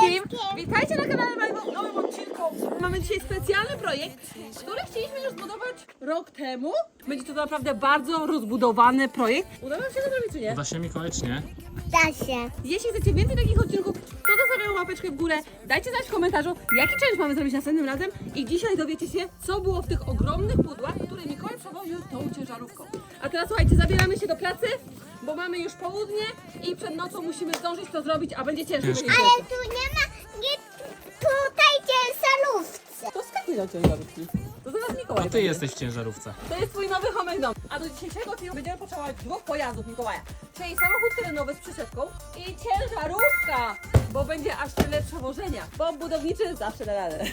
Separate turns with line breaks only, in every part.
wszystkim! Witajcie na kanale Majwo w nowym odcinku. Mamy dzisiaj specjalny projekt, który chcieliśmy już zbudować rok temu. Będzie to naprawdę bardzo rozbudowany projekt. Uda nam się to zrobić, czy nie?
Uda się Mikołajcznie?
Da się.
Jeśli chcecie więcej takich odcinków, to zostawiam łapeczkę w górę. Dajcie znać w komentarzu, jaki challenge mamy zrobić następnym razem. I dzisiaj dowiecie się, co było w tych ogromnych pudłach, które Mikołaj przewoził tą ciężarówką. A teraz słuchajcie, zabieramy się do pracy, bo mamy już południe i przed nocą musimy zdążyć to zrobić, a będzie ciężko.
Ciężko.
Ale tu nie ma, nie tutaj ciężarówce.
To skakuj do ciężarówki. To zaraz Mikołaj.
To ty jesteś w ciężarówce.
To jest twój nowy homek dom. A do dzisiejszego filmu będziemy potrzebować dwóch pojazdów Mikołaja. Czyli samochód terenowy z przyczepką i ciężarówka, bo będzie aż tyle przewożenia. Bo budowniczy zawsze da radę.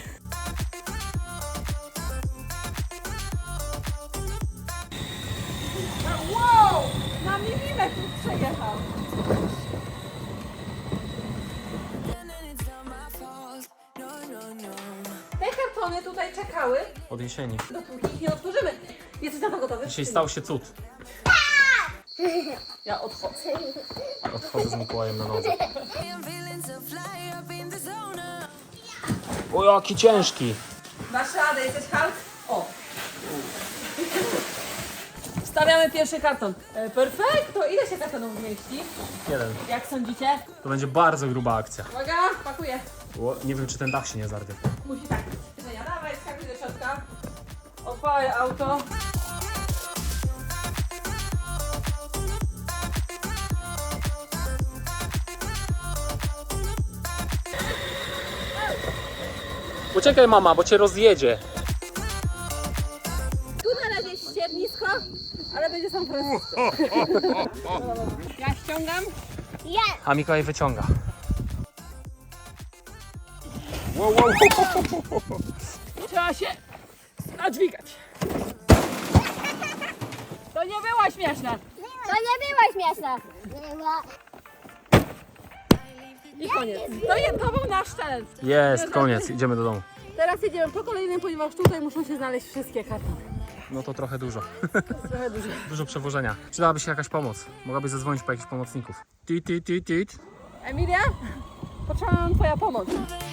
Wow! Na milimetr przejechał. Te kartony tutaj czekały,
Od jesieni.
dopóki ich nie otworzymy. Jesteś na to gotowy?
Dzisiaj stał się cud.
Ja odchodzę.
Odchodzę z Mikołajem na nodze. O, jaki ciężki!
Dasz radę, jesteś hard? O! Wstawiamy pierwszy karton. Perfekto! Ile się kartonów zmieści?
Jeden.
Jak sądzicie?
To będzie bardzo gruba akcja.
Uwaga, pakuję.
O, nie wiem, czy ten dach się nie zarwie.
Musi tak być. Żenia, dawaj, skakuj do środka. Odpalaj auto.
Uciekaj, mama, bo cię rozjedzie.
Tu na razie jest ściernisko, ale będzie sam Francisco. Ja ściągam.
Ja,
A Mikołaj wyciąga.
Trzeba się nadźwigać. To nie była śmieszna.
to nie była śmieszna. Była.
I koniec. To był nasz challenge.
Jest, koniec, idziemy do domu.
Teraz jedziemy po kolejnym, ponieważ tutaj muszą się znaleźć wszystkie kartony.
No to trochę dużo.
Trochę dużo.
Dużo przewożenia. Przydałaby się jakaś pomoc. Mogłabyś zadzwonić po jakichś pomocników. Tit.
Emilia, potrzeba nam twoja pomoc.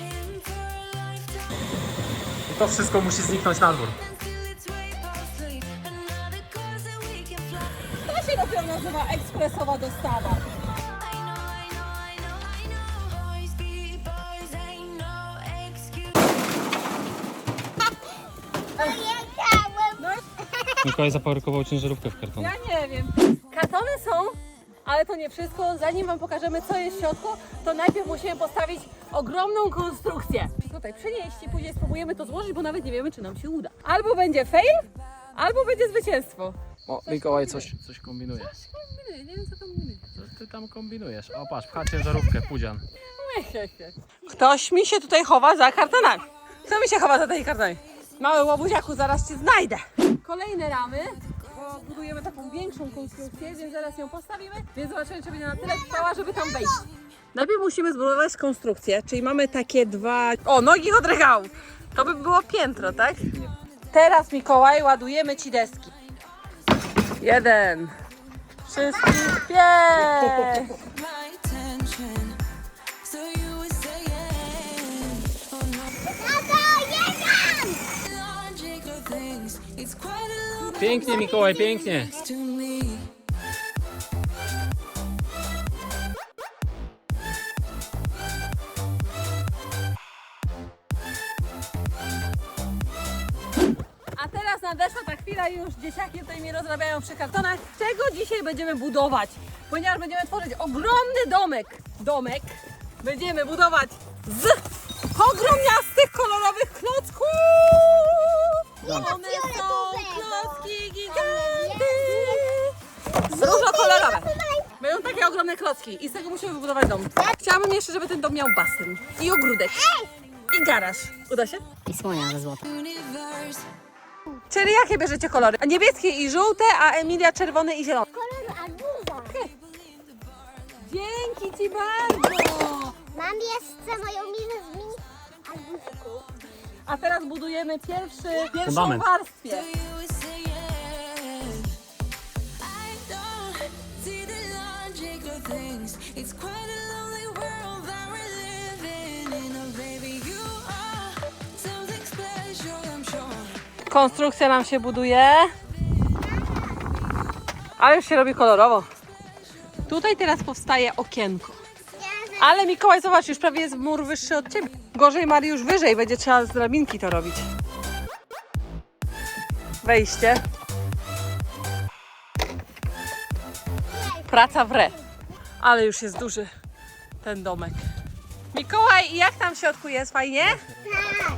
I to wszystko musi zniknąć na dwór.
To się dopiero nazywa ekspresowa dostawa.
Pojechałem.
Mikołaj zaparykował ciężarówkę w kartonie.
Ja nie wiem. Kartony są, ale to nie wszystko. Zanim wam pokażemy, co jest w środku, to najpierw musimy postawić ogromną konstrukcję. Tutaj przenieść i później spróbujemy to złożyć, bo nawet nie wiemy, czy nam się uda. Albo będzie fail, albo będzie zwycięstwo.
O, Mikołaj coś kombinuje.
Nie wiem, co kombinuje.
Co ty tam kombinujesz? O, patrz, pcha ciężarówkę, pudzian.
Ktoś mi się tutaj chowa za kartonami. Kto mi się chowa za tymi kartonami? Mały łobuziaku, zaraz cię znajdę. Kolejne ramy, bo budujemy taką większą konstrukcję, więc zaraz ją postawimy, więc zobaczymy, czy będzie na tyle trwała, żeby tam wejść. Najpierw musimy zbudować konstrukcję, czyli mamy takie dwa... O, nogi od regału. To by było piętro, tak? Teraz, Mikołaj, ładujemy ci deski. 1. Wszystkich 5.
Pięknie, Mikołaj, pięknie.
A teraz nadeszła ta chwila, już dzieciaki tutaj mi rozrabiają przy kartonach, czego dzisiaj będziemy budować. Ponieważ będziemy tworzyć ogromny domek. Będziemy budować z ogromniastych, kolorowych klocków. One są klocki giganty. Różokolorowe. Będą takie ogromne klocki i z tego musimy wybudować dom. Chciałabym jeszcze, żeby ten dom miał basen i ogródek i garaż. Uda się?
I słonia ze złota.
Czyli jakie bierzecie kolory? Niebieskie i żółte, a Emilia czerwone i zielone.
Kolor arbuza.
Dzięki ci bardzo!
Mam jeszcze moją minę z mini arbuzków.
A teraz budujemy pierwszą
Fundament.
warstwę.
It's quite a lonely world that we're living in.
Konstrukcja nam się buduje. Ale już się robi kolorowo. Tutaj teraz powstaje okienko. Ale Mikołaj, zobacz, już prawie jest mur wyższy od ciebie. Gorzej Mariusz wyżej, będzie trzeba z drabinki to robić. Wejście. Praca w re. Ale już jest duży ten domek. Mikołaj, i jak tam w środku jest? Fajnie?
Tak.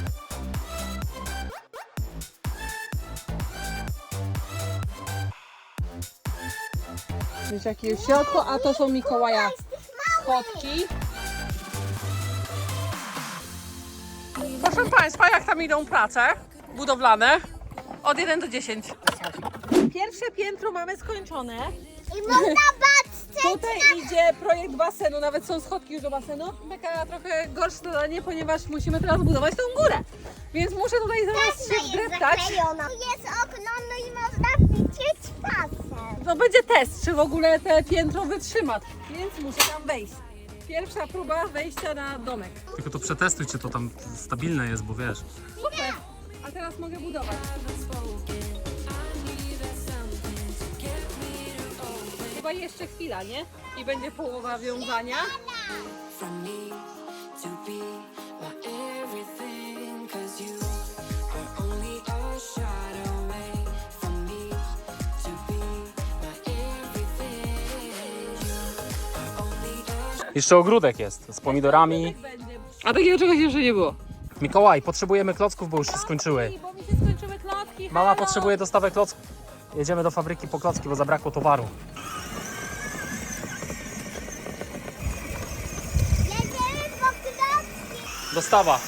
Wiecie, jakie jest w środku, a to są Mikołaja schodki. Proszę Państwa, jak tam idą prace budowlane? Od 1 do 10. Pierwsze piętro mamy skończone.
I można patrzeć.
Tutaj idzie projekt basenu, nawet są schodki już do basenu. Taka trochę gorsze zadanie, ponieważ musimy teraz budować tą górę. Więc muszę tutaj zaraz się
Jest
wdreptać.
zaklejona. Jest okno, no i można widzieć pasem.
To będzie test, czy w ogóle te piętro wytrzyma. Więc muszę tam wejść. Pierwsza próba wejścia na domek.
Tylko to przetestuj, czy to tam stabilne jest, bo wiesz.
Super. A teraz mogę budować. Chyba jeszcze chwila, nie? I będzie połowa wiązania.
from me to be my everything, 'cause you are only a shot away from me to be my everything. You are only a
Jeszcze ogródek jest z pomidorami.
A takiego czegoś jeszcze nie było.
Mikołaj, potrzebujemy klocków, bo już się skończyły.
Bo mi się skończyły klocki.
Mama
halo.
potrzebuje dostawę klocków. Jedziemy do fabryki po klocki, bo zabrakło towaru.
Jedziemy po klocki.
Dostawa.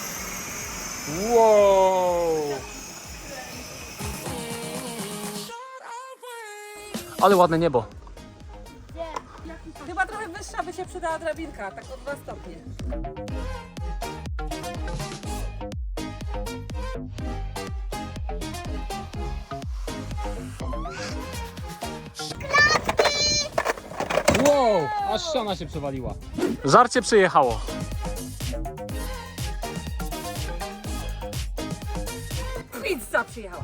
Wow. Ale ładne niebo.
Chyba trochę wyższa by się przydała drabinka, tak o 2 stopnie.
Wow, aż ściana się przewaliła. Żarcie przyjechało.
Pizza przyjechała.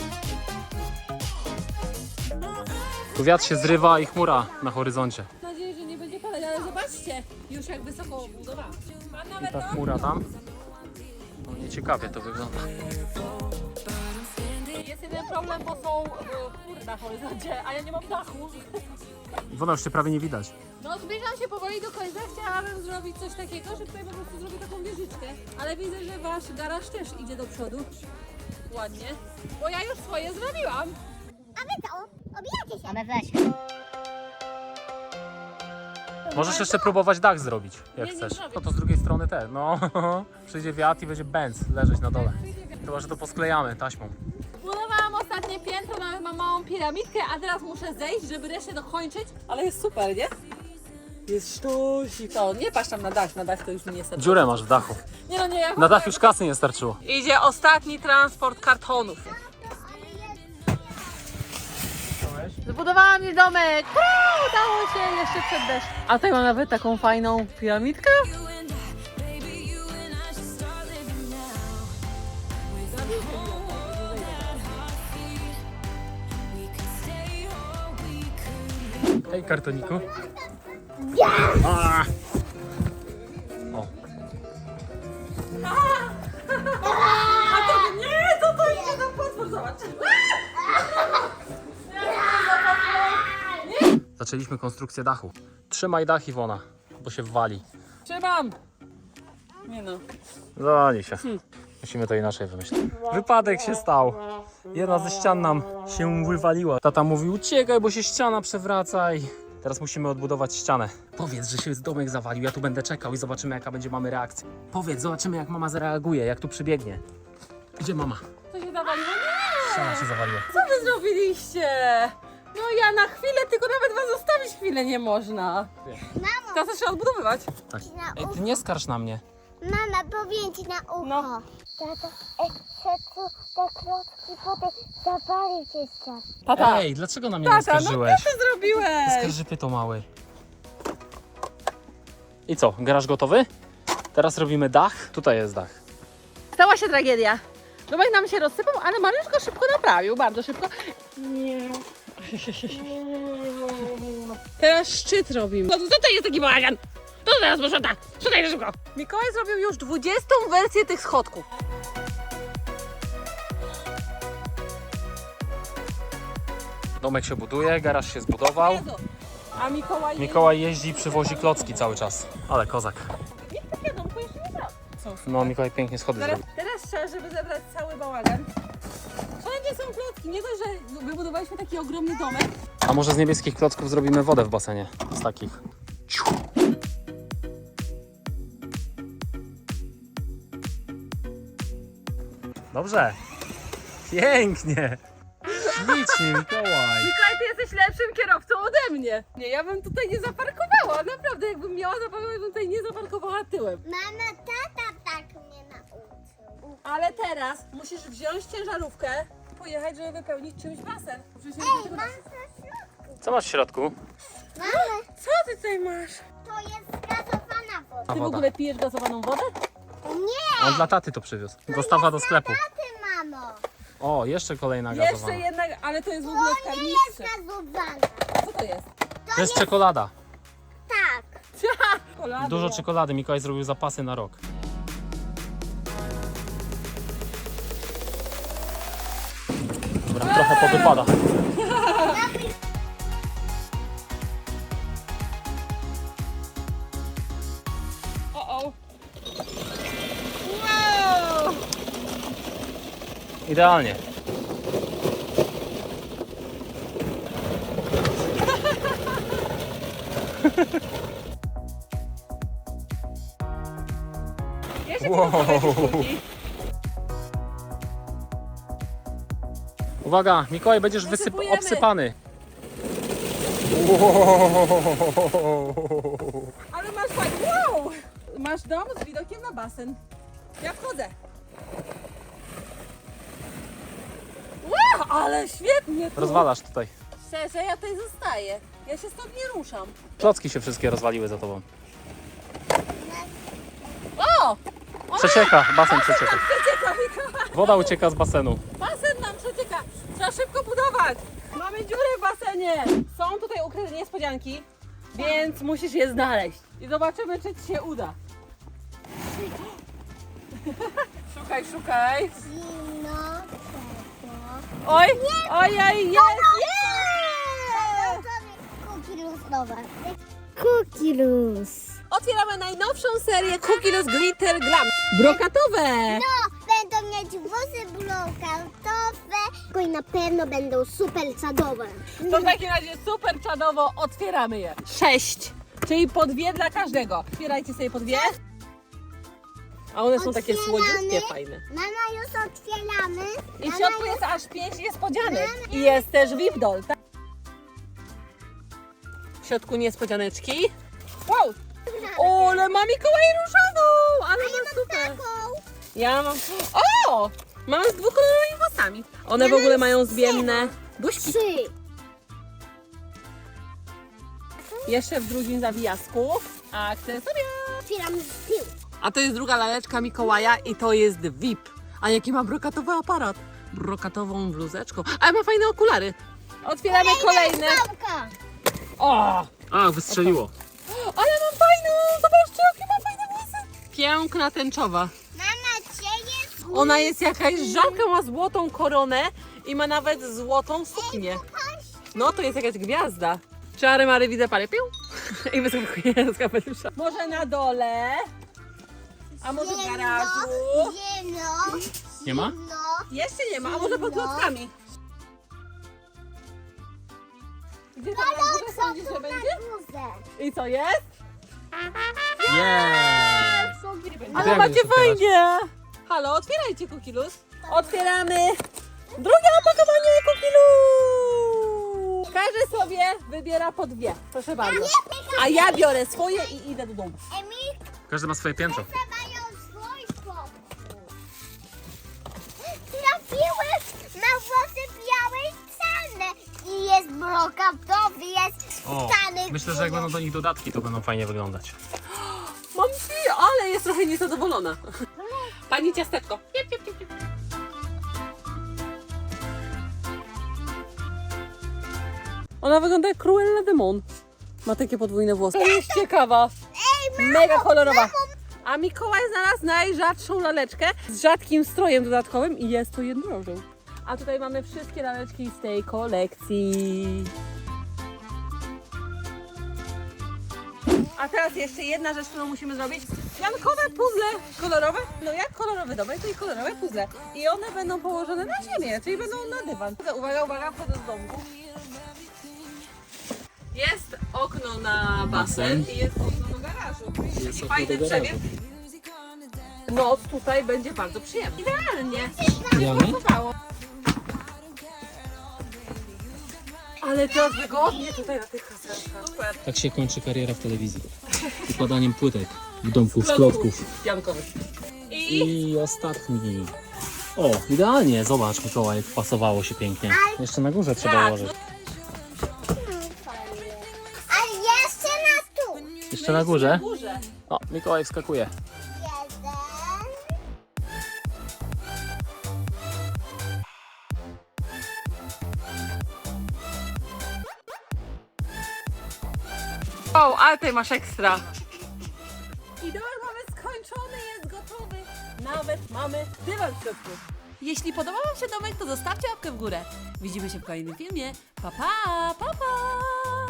Tu wiatr się zrywa i chmura na horyzoncie.
Mam nadzieję, że nie będzie padać, ale zobaczcie, już jak wysoko obudowałam. Pan
I
nawet
ta chmura tam. No nieciekawie to wygląda.
Jest jeden problem, bo są chmury na horyzoncie, a ja nie mam dachu.
Iwona, już się prawie nie widać.
No zbliżam się powoli do końca, chciałabym zrobić coś takiego, że tutaj po prostu zrobię taką wieżyczkę. Ale widzę, że wasz garaż też idzie do przodu. Ładnie. Bo ja już swoje zrobiłam.
A wy co? Obijacie się.
A my weź.
Możesz jeszcze próbować dach zrobić, jak
Nie, nie
chcesz.
zrobię.
No to z drugiej strony też. No, przyjdzie wiatr i będzie bęc leżeć na dole. Chyba, że to posklejamy taśmą.
Budowałam ostatnie piętro, nawet mam małą piramidkę, a teraz muszę zejść, żeby resztę dokończyć. Ale jest super, nie? Jest sztosik. To nie patrz tam na dach to już mi nie starczy.
Dziurę masz w dachu.
Nie no nie, ja
Na dach już kasy nie starczyło.
Idzie ostatni transport kartonów. Zbudowałam mi domek! Udało się jeszcze przed deszczem. A tutaj mam nawet taką fajną piramidkę.
you and I, baby, you and I should start living now. With all that hot feet, we could stay or we could leave.
Hej, kartoniku. O,
A to nie, to idzie na potwór, zobacz.
zaczęliśmy konstrukcję dachu. Trzymaj dach, Iwona, bo się wali.
Trzymam. Nie no.
Zani się. Musimy to inaczej wymyślić. Wypadek się stał. Jedna ze ścian nam się wywaliła. Tata mówi, uciekaj, bo się ściana przewraca i teraz musimy odbudować ścianę. Powiedz, że się domek zawalił, ja tu będę czekał i zobaczymy, jaka będzie mamy reakcja. Powiedz, zobaczymy, jak mama zareaguje, jak tu przybiegnie. Gdzie mama?
Co się zawaliło? Nie!
Ściana się zawaliła.
Co wy zrobiliście? No ja na chwilę, tylko nawet was zostawić chwilę nie można.
Mamo,
Teraz trzeba odbudowywać.
Tak.
na
Ej,
ucho.
ty nie skarż na mnie.
Mama, powiem ci na ucho.
No.
Tata, te klocki potem zapali się ścian.
Tata,
Ej, dlaczego na mnie nie
tata, no
skarżyłeś?
co ty zrobiłeś?
Skarżypy mały. I co, garaż gotowy? Teraz robimy dach. Tutaj jest dach.
Stała się tragedia. Domek nam się rozsypał, ale Mariusz go szybko naprawił, bardzo szybko. Teraz szczyt robimy. No to jest taki bałagan. To teraz proszę tak. Szukaj szybko. Mikołaj zrobił już 20. wersję tych schodków.
Domek się buduje, garaż się zbudował.
Jezu. A Mikołaj...
Mikołaj jeździ, przywozi klocki cały czas. Ale kozak.
Niech tak jadą, bo jeszcze nie znam.
No Mikołaj pięknie schody zrobił.
Teraz trzeba, żeby zebrać cały bałagan. Wszędzie są klocki. Nie dość, że wybudowaliśmy taki ogromny domek.
A może z niebieskich klocków zrobimy wodę w basenie? Z takich. Dobrze. Pięknie. Ślicznie, Mikołaj.
Mikołaj, ty jesteś lepszym kierowcą ode mnie. Nie, ja bym tutaj nie zaparkowała. Naprawdę, jakbym miała zaparkować, bym tutaj nie zaparkowała tyłem.
Mama, tata tak mnie nauczył.
Ale teraz musisz wziąć ciężarówkę, pojechać, żeby wypełnić czymś basen. Przecież nie
Ej,
tylko
mam
basen.
na środku.
Co masz w środku?
Mama,
Co ty tutaj masz?
to jest gazowana woda.
A
Ty w
woda.
ogóle pijesz gazowaną wodę?
Nie,
On dla taty to przywiózł. Dostawa do sklepu.
ty mamo.
O, jeszcze kolejna
Jeszcze
gazowana.
jednak, ale to jest w ogóle w
To nie jest
karnistrze.
gazowana.
Co to jest?
To jest czekolada.
Tak.
Czekolada.
Dużo czekolady. Mikołaj zrobił zapasy na rok. Dobra, trochę powypada.
O. Wow!
Idealnie.
Jeszcze
Wow.
wow.
Uwaga, Mikołaj, będziesz
Wysypujemy.
obsypany.
Ale masz fajnie. Wow! Masz dom z widokiem na basen. Ja wchodzę. Wow, ale świetnie tu.
Rozwalasz tutaj.
Szczerze, ja tutaj zostaję. Ja się stąd nie ruszam.
Klocki się wszystkie rozwaliły za tobą.
O!
Przecieka, basen przecieka.
Przecieka, Mikołaj.
Woda ucieka z basenu.
Basen nam przecieka. Trzeba szybko budować. Mamy dziurę w basenie. Są tutaj ukryte niespodzianki, więc musisz je znaleźć. I zobaczymy, czy ci się uda. Szukaj, szukaj.
Zimno, ciepło.
Oj, ojej, jest,
Cookie losowe. Cookie los.
Otwieramy najnowszą serię Cookie Loose Glitter Glam. Brokatowe.
No, będą mieć włosy brokatowe i na pewno będą super sadowe.
To w takim razie super czadowo otwieramy je. 6, czyli po 2 dla każdego. Otwierajcie sobie po 2. A one są takie słodziutkie, fajne.
Mama, już otwieramy.
I w środku jest aż 5 niespodzianek. I jest też VIP doll, tak? W środku niespodzianeczki. Wow! O, ale ma Mikołaj różową! Ale ma super.
Taką.
Ja mam... O! Mam z dwukolorowymi włosami. One w ogóle mają zmienne buźki.
3.
Jeszcze w drugim zawijasku. Akcesoria.
Otwieram z tyłu.
A to jest druga laleczka Mikołaja i to jest VIP. A jaki ma brokatowy aparat? Brokatową bluzeczką. Ale ma fajne okulary. Otwieramy kolejne.
Babka.
O!
A, wystrzeliło.
Ale mam fajną! Zobaczcie, jakie ma fajne włosy. Piękna, tęczowa.
Mama, gdzie jest?
Ona jest jakaś żabka, ma złotą koronę i ma nawet złotą suknię. No to jest jakaś gwiazda. Czary Mary widzę parę pił i wyskakuje z kapelusza. Może na dole, a może w garażu.
Zimno.
Nie ma?
Zimno.
Jeszcze nie ma, a może pod klockami. Gdzie tam na górze sądzisz, że będzie? I co jest?
Jest!
Ale
jak
macie
będziesz otwierać?
fajnie! Halo, otwierajcie Cookie Loose. Otwieramy drugie opakowanie Cookie Loose. Każdy sobie wybiera po 2, proszę bardzo. A ja biorę swoje i idę do domu.
Emil,
Każdy ma swoje piętro.
mają swój pokój. Trafiłeś na włosy białej czarne. I jest brokatowy, jest
O,
czarny.
myślę, że jak będą do nich dodatki, to będą fajnie wyglądać.
Mam ale jest trochę niezadowolona. Pani ciasteczko. Piep, piep, piep, piep. Ona wygląda jak Cruella de Mon. Ma takie podwójne włosy. To jest ciekawa. Mega kolorowa. A Mikołaj znalazł najrzadszą laleczkę z rzadkim strojem dodatkowym i jest to jednorożec. A tutaj mamy wszystkie laleczki z tej kolekcji. A teraz jeszcze jedna rzecz, którą musimy zrobić. Jankowe puzzle kolorowe. No jak kolorowy domek, to i kolorowe puzzle. I one będą położone na ziemię, czyli będą na dywan. Uwaga, uwaga, wchodzę z domku. Jest okno na basen i jest okno do garażu.
Jest
I
okno
fajny
do garażu.
przebieg. Noc tutaj będzie bardzo przyjemna. Idealnie.
Idealnie?
Podobało. Ale teraz wygodnie tutaj na tych kasetkach. Super.
Tak się kończy kariera w telewizji. Układaniem płytek w domku z klocków.
Jankowy. I
I ostatni. O, idealnie. Zobacz, Mikołaj, jak pasowało się pięknie. Jeszcze na górze trzeba ułożyć.
A jeszcze na tu.
Jeszcze na górze.
górze.
O, Mikołaj wskakuje.
Jeden.
O, ale tutaj masz ekstra. I domek mamy skończony, jest gotowy. Nawet mamy dywan w środku.
Jeśli podobał Wam się domek, to zostawcie łapkę w górę. Widzimy się w kolejnym filmie. Pa, pa, pa, pa!